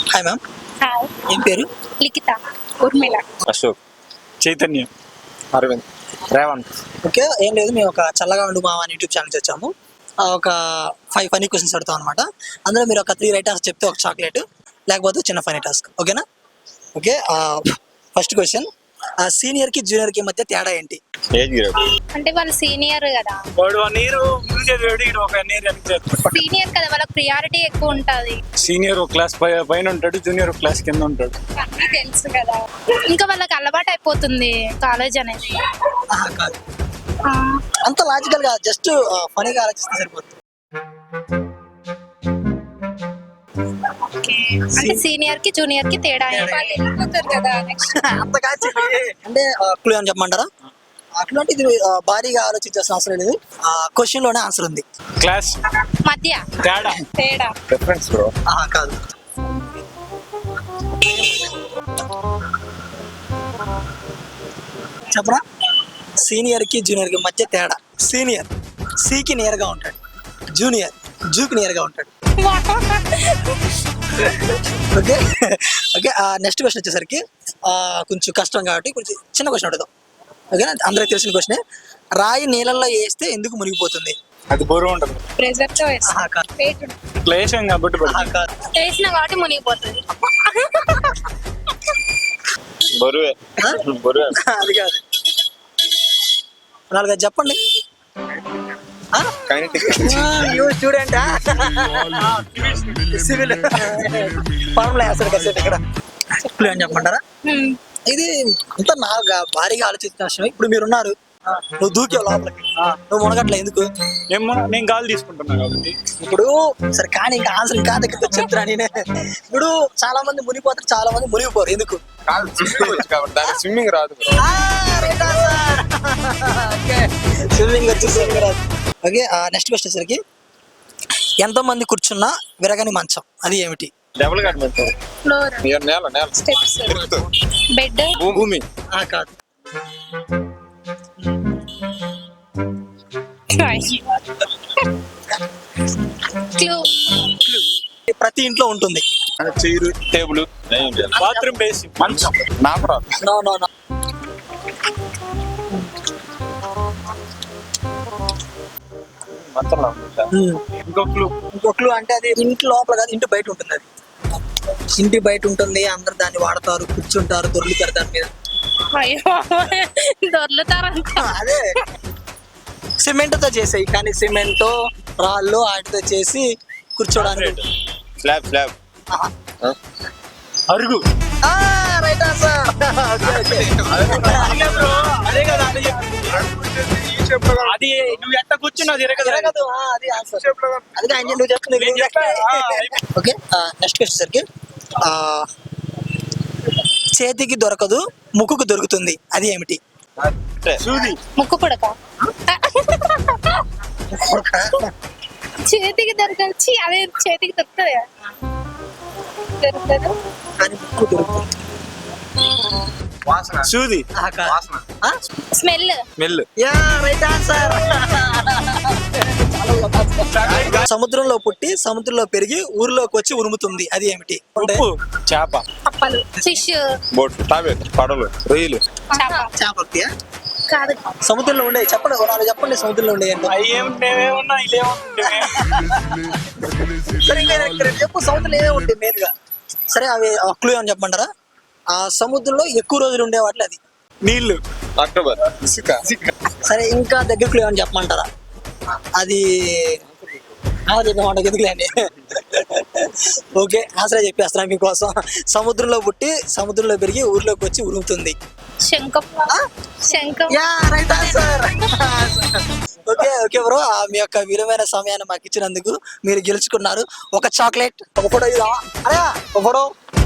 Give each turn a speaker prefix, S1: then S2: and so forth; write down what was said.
S1: Hi ma'am.
S2: Hi,
S1: ఏం పేరు?
S2: Likhita, Urmila.
S3: Ashok, Chaitanya, Aravind, Revanth.
S1: Okay, ఏం లేదు, మేము ఒక చల్లగా ఉండు మావా అని యూట్యూబ్ ఛానల్ వచ్చాము. ఒక 5 ఫనీ క్వశ్చన్స్ అడుగుతాం అనమాట. అందులో మీరు ఒక 3 రైట్ ఆన్సర్ చెప్తే ఒక చాక్లెట్, లేకపోతే చిన్న ఫనీ టాస్క్. ఓకేనా? ఓకే, ఫస్ట్ క్వశ్చన్, సీనియర్కి జూనియర్కి మధ్య తేడా ఏంటి?
S3: Age grade.
S2: అంటే వాళ్ళు సీనియర్ కదా,
S3: వాడు 1 year ముందు చదివాడు, ఈడు 1 year వెనక్కి చదివాడు.
S2: సీనియర్ కదా, వాళ్ళకి ప్రియారిటీ ఎక్కువ ఉంటది.
S3: సీనియర్ ఒక క్లాస్ పైన ఉంటాడు, జూనియర్ ఒక క్లాస్ కింద ఉంటాడు.
S2: అన్నీ తెలుసు కదా, ఇంకా వాళ్ళకి అలవాటు అయిపోతుంది కాలేజ్ అనేది.
S1: కాదు,
S2: ఆ,
S1: అంత లాజికల్ గా జస్ట్ ఫనీగా ఆలోచిస్తే సరిపోతుంది.
S2: ఓకే. అంటే సీనియర్ కి జూనియర్ కి తేడా వెళ్ళిపోతారు కదా నెక్స్ట్.
S1: అంత కాదు, అంటే క్లూ అని చెప్పమంటారా? క్లూ అంటే ఇది భారీగా ఆలోచించాల్సిన అవసరం లేదు, క్వశ్చన్ లోనే ఆన్సర్ ఉంది.
S3: క్లాస్
S2: మధ్య
S3: తేడా.
S2: తేడా
S3: డిఫరెన్స్ బ్రో.
S1: కాదు, చెప్పరా? సీనియర్ కి జూనియర్ కి మధ్య తేడా. సీనియర్ సికి నియర్ గా ఉంటాడు, జూనియర్ జూకి నియర్ గా ఉంటాడు. ఓకే ఓకే, నెక్స్ట్ క్వశ్చన్ వచ్చేసరికి కొంచెం కష్టం కాబట్టి కొంచెం చిన్న క్వశ్చన్ అడుగుదాం. ఓకేనా? అందరికి తెలిసిన క్వశ్చన్. రాయి నీళ్ళల్లో వేస్తే ఎందుకు మునిగిపోతుంది?
S3: అది బరువు ఉంటుంది.
S2: ప్రెజర్ తో
S1: కాదు.
S3: ఇట్లా వేసాం కాబట్టి
S1: కాదు.
S2: వేసిన కాబట్టి మునిగిపోతుంది.
S3: బరువే. బరువే.
S1: అది కాదు, 4 చెప్పండి. స్టూడెంట్ సివిల్ ఫార్ములా వేస్తాడు కాసేపు ఇక్కడ. అని చెప్పమంటారా? ఇది అంత నాకు భారీగా ఆలోచించిన విషయం. ఇప్పుడు మీరున్నారు, నువ్వు దూకేవు లోపలికి, నువ్వు మునగట్లే ఎందుకు?
S3: నేను గాలి తీసుకుంటున్నా కాబట్టి.
S1: ఇప్పుడు సరే, కానీ ఇంకా ఆన్సర్ ఇంకా దగ్గర చెప్తున్నా నేనే. ఇప్పుడు చాలా మంది మునిగిపోతారు, చాలా మంది మునిగిపోరు, ఎందుకు?
S3: స్విమ్మింగ్ రాదు.
S1: స్విమ్మింగ్ వచ్చేసరికి రాదు. ఓకే, నెక్స్ట్ క్వశ్చన్ సరికి, ఎంతో మంది కూర్చున్నా విరగని మంచం, అది ఏమిటి?
S3: డబుల్ కట్ మంచం.
S2: ఫ్లోర్,
S3: నేల నేల
S2: స్టెప్స్, బెడ్.
S3: భూమి.
S1: కాదు.
S2: క్లూ.
S1: ప్రతి ఇంట్లో ఉంటుంది.
S3: చైరు, టేబుల్, బాత్రూమ్ బేసి, మంచం. నాకు రాదు.
S1: No no no.
S3: మంచం
S1: ఇంకో క్లూ అంటే అది ఇంటి లోపల కాదు, ఇంటి బయట ఉంటుంది. అది ఇంటి బయట ఉంటుంది, అందరు దాన్ని వాడతారు, కూర్చుంటారు, దొర్లుతారు దాని మీద.
S2: అయ్యో, దొర్లుతారంట.
S1: అదే సిమెంట్ తో చేసాయి, కానీ సిమెంట్ రాళ్ళు వాటితో చేసి కూర్చోడానికి.
S3: స్లాబ్. స్లాబ్. అరుగు.
S1: Right answer.
S3: అది నువ్వు ఎట్ట కూర్చున్నావు
S1: అది ఆన్సర్. అది నువ్వు చెప్తుంది. ఓకే, నెక్స్ట్ క్వశ్చన్ సరికి, చేతికి దొరకదు ముక్కుకు దొరుకుతుంది, అది ఏమిటి?
S3: సూది.
S2: ముక్కు పుడక. చేతికి దొరకచ్చి, అదే చేతికి దొరుకుతుంది కదా. దొరుకుతుంది
S1: కానీ ముక్కు దొరుకుతుంది.
S3: సూది.
S2: స్మెల్.
S3: స్మెల్.
S1: Right answer. సముద్రంలో పుట్టి సముద్రంలో పెరిగి ఊరిలోకి వచ్చి ఉరుముతుంది, అది ఏమిటి?
S3: ఉప్పు. చేప.
S2: కప్పలు. ఫిష్.
S3: బోట్. తాబేలు. పడవలు. రొయ్యలు.
S1: చేప
S2: కాదు,
S1: సముద్రంలో ఉండే. చెప్పండి, నాలుగు చెప్పండి సముద్రంలో ఉండే. సరే, చెప్పు, సముద్రంలో ఏమేమి ఉంటాయి మెయిన్ గా? సరే, అవి క్లూ అని చెప్పమంటారా? ఆ సముద్రంలో ఎక్కువ రోజులు ఉండే వాటిలో అది.
S3: నీళ్లు. అక్టోబర్.
S1: సరే, ఇంకా దగ్గర క్లూ అని చెప్పమంటారా? అది ఎందుకులేండి. ఓకే, ఆన్సర్ చెప్పేస్తాను మీకోసం. సముద్రంలో పుట్టి సముద్రంలో పెరిగి ఊర్లోకి వచ్చి ఉరుముతుంది.
S2: శంఖం. శంఖం.
S1: Right answer. Okay okay bro, మీ యొక్క విలువైన సమయాన్ని మాకు ఇచ్చినందుకు మీరు గెలుచుకున్నారు. ఒక చాక్లెట్, ఒక ఫోటో. ఒక ఫోటో.